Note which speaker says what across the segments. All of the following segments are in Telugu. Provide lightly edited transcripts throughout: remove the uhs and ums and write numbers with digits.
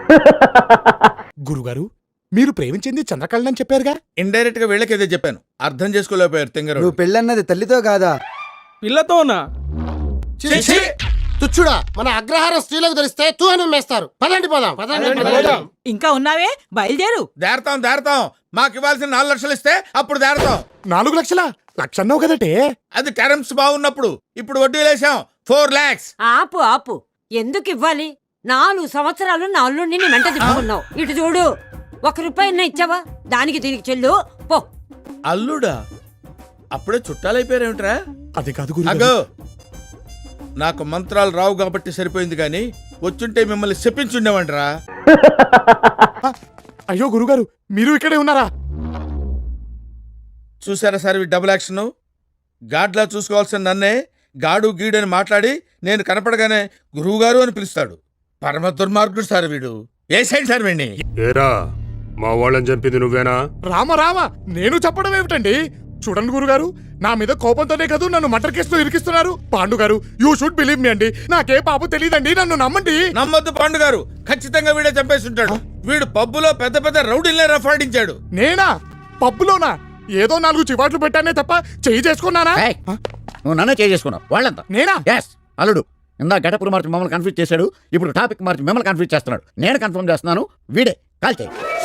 Speaker 1: గురుగారు మీరు ప్రేమించింది చంద్రకళని చెప్పారుగా.
Speaker 2: ఇండైరెక్ట్ గా వీళ్ళకేదో చెప్పాను, అర్థం చేసుకోలేకపోయారు తింగరు.
Speaker 3: నువ్వు పెళ్ళన్నది తల్లితో కాదా?
Speaker 4: పిల్లతోనా?
Speaker 5: తుచ్చుడా, మన అగ్రహారం స్త్రీలకు తెలిస్తే తూ అని మేస్తారు. పదండి పోదాం.
Speaker 6: ఇంకా ఉన్నావే, బయలుదేరు.
Speaker 2: దేరతాం మాకు ఇవ్వాల్సిన 4 లక్షలు ఇస్తే అప్పుడు దేరతాం.
Speaker 1: 4 లక్షలా? లక్షన్నావు కదటే.
Speaker 2: అది కరెన్సీ బాగున్నప్పుడు, ఇప్పుడు వడ్డీ లేసాం 4 lakhs.
Speaker 7: ఆపు ఎందుకు ఇవ్వాలి? 4 సంవత్సరాలు నా అల్లుడిని నీ వెంట తిప్పుకున్నావు. ఇటు చూడు, 1 రూపాయి ఇచ్చావా? దానికి దీనికి చెల్లు పో.
Speaker 2: అల్లుడా? అప్పుడే చుట్టాలైపోయారేమిట్రా?
Speaker 1: అది కాదు గురు.
Speaker 2: అగో, నాకు మంత్రాలు రావు కాబట్టి సరిపోయింది, గాని వచ్చుంటే మిమ్మల్ని చెప్పించుండేవంటరా.
Speaker 1: అయ్యో గురుగారు, మీరు ఇక్కడే ఉన్నారా?
Speaker 2: చూసారా సార్ ఈ డబుల్ యాక్షన్? గాడ్లా చూసుకోవాల్సిన నన్నే గాడు గీడు అని మాట్లాడి నేను కనపడగానే గురువుగారు అని పిలుస్తాడు. పరమ దుర్మార్గుడు సార్ వీడు. ఏ సైడ్ సార్ వీడిని?
Speaker 8: ఏరా, మా వాళ్ళని చంపింది నువ్వేనా?
Speaker 1: రామ నేను చెప్పడం ఏమిటండి? చూడండి గురుగారు, నా మీద కోపంతోనే కదా నన్ను మర్డర్ కేసులో ఇరికిస్తున్నారు. పాండు గారు, యూ షుడ్ బిలీవ్ మీ అండి. నాకే పాపం తెలియదండి, నన్ను నమ్మండి.
Speaker 2: నమ్మొద్దు పాండు గారు, ఖచ్చితంగా వీడే చంపేసి ఉంటాడు. వీడు పబ్బులో పెద్ద పెద్ద రౌడీలనే రఫాడించాడు.
Speaker 1: నేనా? పబ్బులోనా? ఏదో 4 చివాట్లు పెట్టానే తప్ప చెయ్యి చేసుకున్నానా?
Speaker 9: నువ్వు నన్నే చేసుకున్నావు. వాళ్ళంతా
Speaker 1: నేనా?
Speaker 9: అల్లుడు ఇందా గడపలు మార్చి మమ్మల్ని కన్ఫ్యూజ్ చేశాడు, ఇప్పుడు టాపిక్ మార్చి మిమ్మల్ని కన్ఫ్యూజ్ చేస్తున్నాడు. నేను కన్ఫర్మ్ చేస్తున్నాను, వీడే కాల్చే.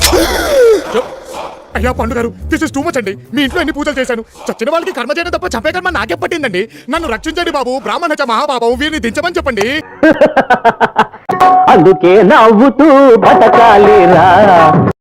Speaker 1: అయ్యా పండు గారు, దిస్ ఇస్ టూ మచ్ అండి. మీ ఇంట్లో ఎన్ని పూజలు చేశాను, చచ్చిన వాళ్ళకి కర్మ చేయడం తప్ప చంపే కర్మ నాకే పట్టిందండి. నన్ను రక్షించండి బాబు, బ్రాహ్మణ మహాబాబు, వీరిని దించమని చెప్పండి.
Speaker 10: అందుకే నవ్వుతూ బతకాలిరా.